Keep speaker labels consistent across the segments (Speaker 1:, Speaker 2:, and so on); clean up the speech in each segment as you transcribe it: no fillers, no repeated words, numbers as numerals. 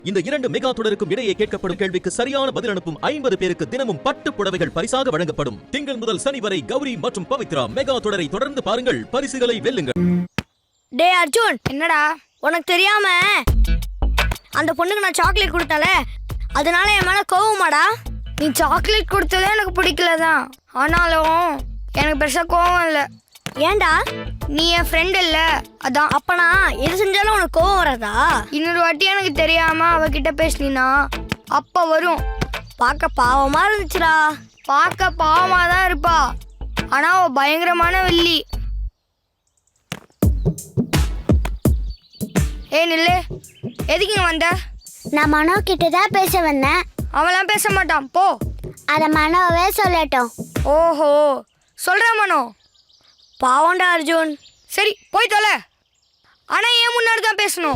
Speaker 1: இந்த 2 மெகா தொடருக்கும் இடையே கேட்கப்படும் கேள்விக்கு சரியான பதில் அனுப்பும் 50 பேருக்கு தினமும் பட்டு புடவைகள் பரிசாக வழங்கப்படும். திங்கள் முதல் சனி வரை கௌரி மற்றும் பவித்ரா மெகா தொடரை தொடர்ந்து பாருங்கள், பரிசுகளை வெல்லுங்கள்.
Speaker 2: டே அர்ஜுன், என்னடா உனக்கு தெரியாம அந்த பொண்ணுக்கு நான் சாக்லேட் கொடுத்தல, அதனால என் மேல கோவமாடா? நீ சாக்லேட் கொடுத்ததே எனக்கு பிடிக்கலதான், ஆனாலும் எனக்கு பெருசா கோவம் இல்லை. ஏன்டா? நீ என் ஃப்ரெண்ட் இல்ல, அதான். அப்பனா எது செஞ்சாலும் உனக்கு கோவம் வராதா? இன்னொரு வாட்டி எனக்கு தெரியாம அவகிட்ட பேசினா அப்ப வரும். பார்க்க பாவமா இருந்துச்சுடா. பார்க்க பாவமா தான் இருப்பா, ஆனா அவ பயங்கரமான வெள்ளி. ஏய் நில்லு, எதுக்கு இங்க வந்த?
Speaker 3: நான் மனோ கிட்ட தான் பேச வந்தேன்.
Speaker 2: அவன்லாம் பேச மாட்டான், போ.
Speaker 3: அத மனோவே சொல்லட்டும்.
Speaker 2: ஓஹோ, சொல்ற மனோ. பாவண்டா அர்ஜுன். சரி போய் தொலை, ஆனா ஏன் முன்னாடி தான் பேசணும்.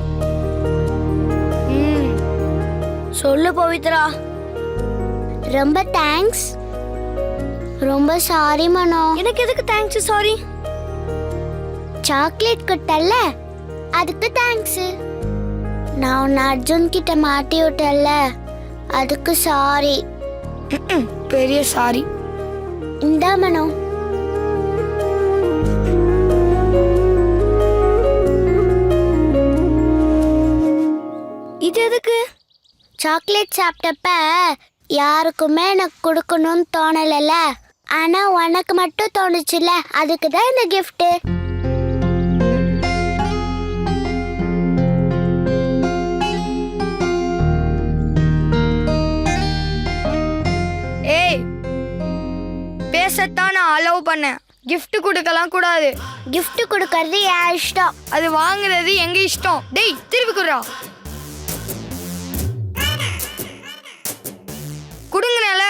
Speaker 2: சொல்லு பவித்ரா.
Speaker 3: ரொம்ப தேங்க்ஸ். ரொம்ப சாரி மனோ.
Speaker 2: எனக்கு எதுக்கு தேங்க்ஸ் சாரி?
Speaker 3: சாக்லேட் கொடுத்தல்ல, அதுக்கு தேங்க்ஸ். நான் உன்னை அர்ஜுன் கிட்ட மாட்டி விட்டல்ல, அதுக்கு சாரி.
Speaker 2: பெரிய சாரி.
Speaker 3: இந்தா மனோ.
Speaker 2: இது எதுக்கு?
Speaker 3: சாக்லேட் சாப்பிட்டப்ப யாருக்குமே எனக்கு கொடுக்கணும்னு தோணலைல, ஆனா உனக்கு மட்டும் தோணுச்சுல, அதுக்கு தான் இந்த கிஃப்ட்.
Speaker 2: ஏய், பேசத்தான் நான் அலோவ் பண்ணேன், gift கொடுக்கலாம் கூடாது.
Speaker 3: கிஃப்ட் கொடுக்கறது என் இஷ்டம்,
Speaker 2: அது வாங்குறது எங்க இஷ்டம். டேய் திருப்பி குடுறா. குடுங்கனால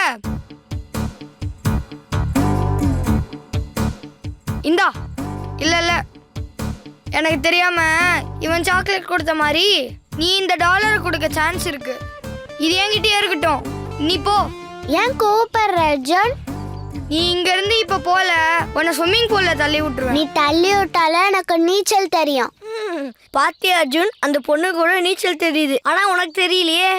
Speaker 2: இந்தா. இல்ல இல்ல, எனக்கு தெரியாம இவன் சாக்லேட் கொடுத்த மாதிரி நீ இந்த டாலர் கொடுக்க சான்ஸ் இருக்கு. இது என்கிட்டயே இருக்கட்டும், நீ போ.
Speaker 3: ஏன் கோவப்படுற அர்ஜுன்?
Speaker 2: நீ இங்க இருந்து இப்ப போல, உன்னை ஸ்விம்மிங் பூல்ல தள்ளி விட்டுருவேன்.
Speaker 3: நீ தள்ளி விட்டால எனக்கு நீச்சல் தெரியும்.
Speaker 2: பாத்தியா அர்ஜுன், அந்த பொண்ணு கூட நீச்சல் தெரியுது, ஆனா உனக்கு தெரியலையே.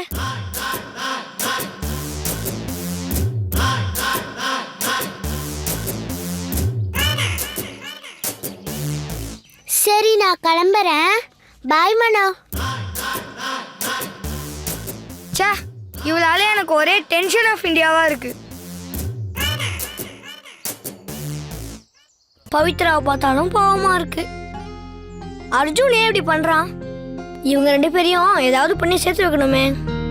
Speaker 3: சரி நான் கிளம்புறேன், பாய் மனோ.
Speaker 2: சே, இவளால எனக்கு ஒரே டென்ஷன் ஆஃப் இந்தியாவா இருக்கு. பவித்ராவை பார்த்தாலும் பாவமா இருக்கு. அர்ஜுன் ஏன் இப்படி பண்றான்? இவங்க 2 பேரையும் ஏதாவது பண்ணி சேர்த்து வைக்கணுமே.